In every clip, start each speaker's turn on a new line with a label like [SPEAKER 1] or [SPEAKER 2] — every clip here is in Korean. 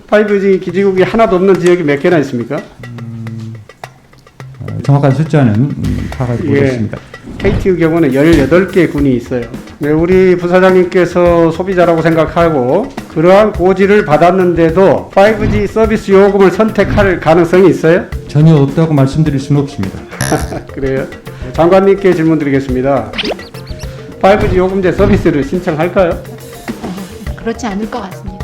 [SPEAKER 1] 5G 기지국이 하나도 없는 지역이 몇 개나 있습니까?
[SPEAKER 2] 정확한 숫자는 파악하지 못했습니다.
[SPEAKER 1] KT의 경우는 18개 군이 있어요. 네, 우리 부사장님께서 소비자라고 생각하고 그러한 고지를 받았는데도 5G 서비스 요금을 선택할 가능성이 있어요?
[SPEAKER 2] 전혀 없다고 말씀드릴 수는 없습니다.
[SPEAKER 1] 그래요? 장관님께 질문 드리겠습니다. 5G 요금제 서비스를 신청할까요?
[SPEAKER 3] 그렇지 않을 것 같습니다.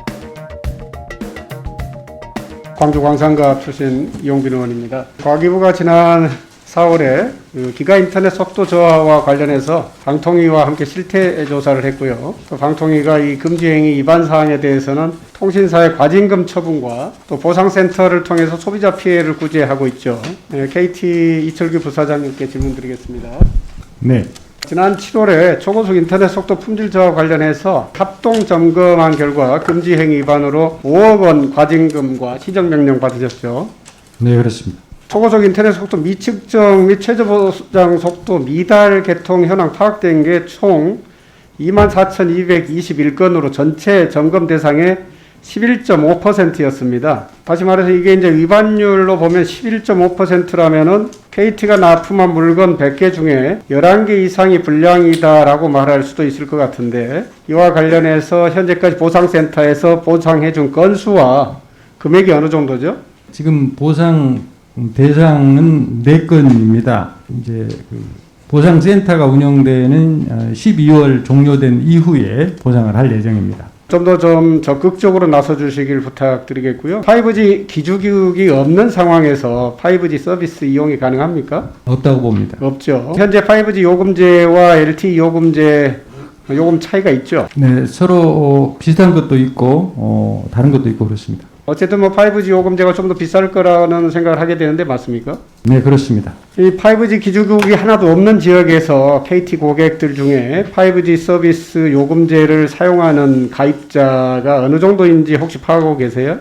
[SPEAKER 1] 광주광산갑 출신 이용빈 의원입니다. 과기부가 지난 4월에 기가 인터넷 속도 저하와 관련해서 방통위와 함께 실태 조사를 했고요. 또 방통위가 이 금지행위 위반 사항에 대해서는 통신사의 과징금 처분과 또 보상센터를 통해서 소비자 피해를 구제하고 있죠. 네, KT 이철규 부사장님께 질문 드리겠습니다.
[SPEAKER 2] 네.
[SPEAKER 1] 지난 7월에 초고속 인터넷 속도 품질 저하 관련해서 합동 점검한 결과 금지 행위 위반으로 5억 원 과징금과 시정명령 받으셨죠.
[SPEAKER 2] 네, 그렇습니다.
[SPEAKER 1] 초고속 인터넷 속도 미측정 및 최저 보장 속도 미달 개통 현황 파악된 게 총 24,221건으로 전체 점검 대상의 11.5%였습니다. 다시 말해서 이게 이제 위반율로 보면 11.5%라면은 KT가 납품한 물건 100개 중에 11개 이상이 불량이다라고 말할 수도 있을 것 같은데 이와 관련해서 현재까지 보상센터에서 보상해준 건수와 금액이 어느 정도죠?
[SPEAKER 2] 지금 보상 대상은 4건입니다. 이제 보상센터가 운영되는 12월 종료된 이후에 보상을 할 예정입니다.
[SPEAKER 1] 좀 더 좀 적극적으로 나서 주시길 부탁드리겠고요. 5G 기주기국이 없는 상황에서 5G 서비스 이용이 가능합니까?
[SPEAKER 2] 없다고 봅니다.
[SPEAKER 1] 없죠. 현재 5G 요금제와 LTE 요금제 요금 차이가 있죠.
[SPEAKER 2] 네, 서로 비슷한 것도 있고 다른 것도 있고 그렇습니다.
[SPEAKER 1] 어쨌든 뭐 5G 요금제가 좀 더 비쌀 거라는 생각을 하게 되는데 맞습니까?
[SPEAKER 2] 네, 그렇습니다.
[SPEAKER 1] 이 5G 기주국이 하나도 없는 지역에서 KT 고객들 중에 5G 서비스 요금제를 사용하는 가입자가 어느 정도인지 혹시 파악하고 계세요?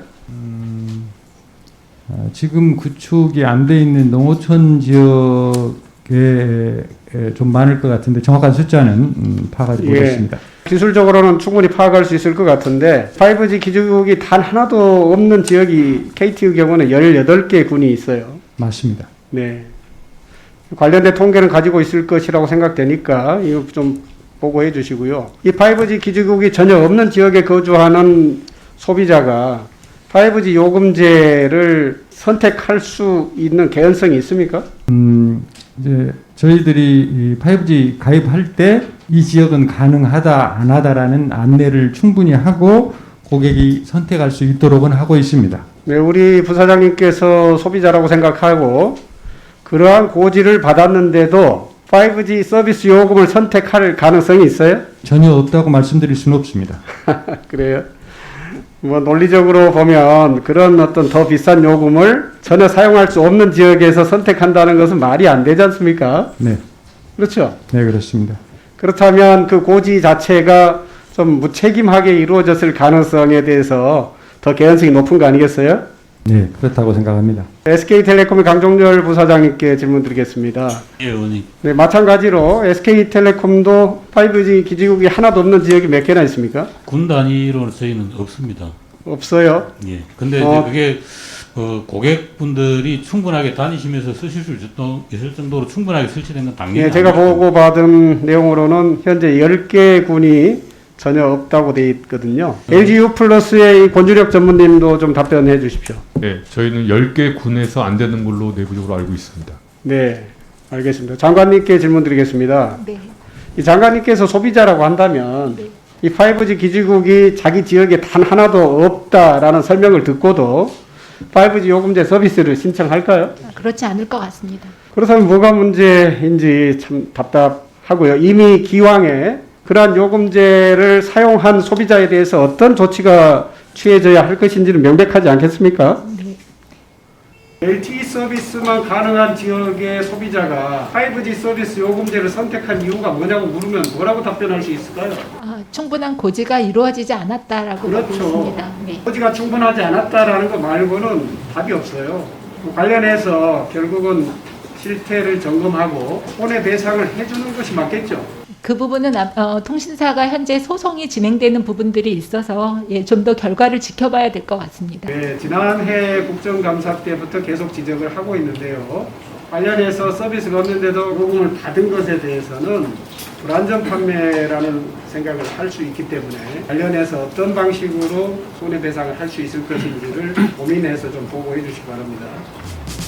[SPEAKER 2] 지금 구축이 안 돼 있는 농어촌 지역에 좀 많을 것 같은데 정확한 숫자는 파악하지 못했습니다.
[SPEAKER 1] 기술적으로는 충분히 파악할 수 있을 것 같은데 5G 기주국이 단 하나도 없는 지역이 KT의 경우는 18개 군이 있어요.
[SPEAKER 2] 맞습니다.
[SPEAKER 1] 네. 관련된 통계는 가지고 있을 것이라고 생각되니까 이거 좀 보고해 주시고요. 이 5G 기지국이 전혀 없는 지역에 거주하는 소비자가 5G 요금제를 선택할 수 있는 개연성이 있습니까?
[SPEAKER 2] 이제 저희들이 이 5G 가입할 때 이 지역은 가능하다 안 하다라는 안내를 충분히 하고 고객이 선택할 수 있도록은 하고 있습니다.
[SPEAKER 1] 네, 우리 부사장님께서 소비자라고 생각하고 그러한 고지를 받았는데도 5G 서비스 요금을 선택할 가능성이 있어요?
[SPEAKER 2] 전혀 없다고 말씀드릴 수는 없습니다.
[SPEAKER 1] 그래요? 뭐 논리적으로 보면 그런 어떤 더 비싼 요금을 전혀 사용할 수 없는 지역에서 선택한다는 것은 말이 안 되지 않습니까?
[SPEAKER 2] 네.
[SPEAKER 1] 그렇죠?
[SPEAKER 2] 네, 그렇습니다.
[SPEAKER 1] 그렇다면 그 고지 자체가 좀 무책임하게 이루어졌을 가능성에 대해서 더 개연성이 높은 거 아니겠어요?
[SPEAKER 2] 네, 그렇다고 생각합니다.
[SPEAKER 1] SK텔레콤의 강종렬 부사장님께 질문 드리겠습니다.
[SPEAKER 4] 예, 의원님.
[SPEAKER 1] 네, 마찬가지로 SK텔레콤도 5G 기지국이 하나도 없는 지역이 몇 개나 있습니까?
[SPEAKER 4] 군 단위로 저희는 없습니다.
[SPEAKER 1] 없어요.
[SPEAKER 4] 예. 근데 이제 그게 고객분들이 충분하게 다니시면서 쓰실 수 있을 정도로 충분하게 설치된 건 당연히
[SPEAKER 1] 예, 제가
[SPEAKER 4] 아니고.
[SPEAKER 1] 보고받은 내용으로는 현재 10개 군이 전혀 없다고 돼 있거든요. LGU 플러스의 이 권주력 전문님도 좀 답변해 주십시오.
[SPEAKER 5] 네, 저희는 10개 군에서 안 되는 걸로 내부적으로 알고 있습니다.
[SPEAKER 1] 네, 알겠습니다. 장관님께 질문 드리겠습니다.
[SPEAKER 3] 네.
[SPEAKER 1] 이 장관님께서 소비자라고 한다면
[SPEAKER 3] 네.
[SPEAKER 1] 이 5G 기지국이 자기 지역에 단 하나도 없다라는 설명을 듣고도 5G 요금제 서비스를 신청할까요?
[SPEAKER 3] 그렇지 않을 것 같습니다.
[SPEAKER 1] 그렇다면 뭐가 문제인지 참 답답하고요. 이미 기왕에 그러한 요금제를 사용한 소비자에 대해서 어떤 조치가 취해져야 할 것인지는 명백하지 않겠습니까?
[SPEAKER 3] 네.
[SPEAKER 1] LTE 서비스만 가능한 지역의 소비자가 5G 서비스 요금제를 선택한 이유가 뭐냐고 물으면 뭐라고 답변할 수 있을까요?
[SPEAKER 3] 충분한 고지가 이루어지지 않았다라고 보고
[SPEAKER 1] 그렇죠.
[SPEAKER 3] 있습니다. 네.
[SPEAKER 1] 고지가 충분하지 않았다라는 거 말고는 답이 없어요. 관련해서 결국은 실태를 점검하고 손해 배상을 해주는 것이 맞겠죠.
[SPEAKER 3] 그 부분은 통신사가 현재 소송이 진행되는 부분들이 있어서 예, 좀 더 결과를 지켜봐야 될 것 같습니다.
[SPEAKER 1] 네, 지난해 국정감사 때부터 계속 지적을 하고 있는데요. 관련해서 서비스가 없는데도 요금을 받은 것에 대해서는 불안전 판매라는 생각을 할 수 있기 때문에 관련해서 어떤 방식으로 손해배상을 할 수 있을 것인지를 고민해서 좀 보고해 주시기 바랍니다.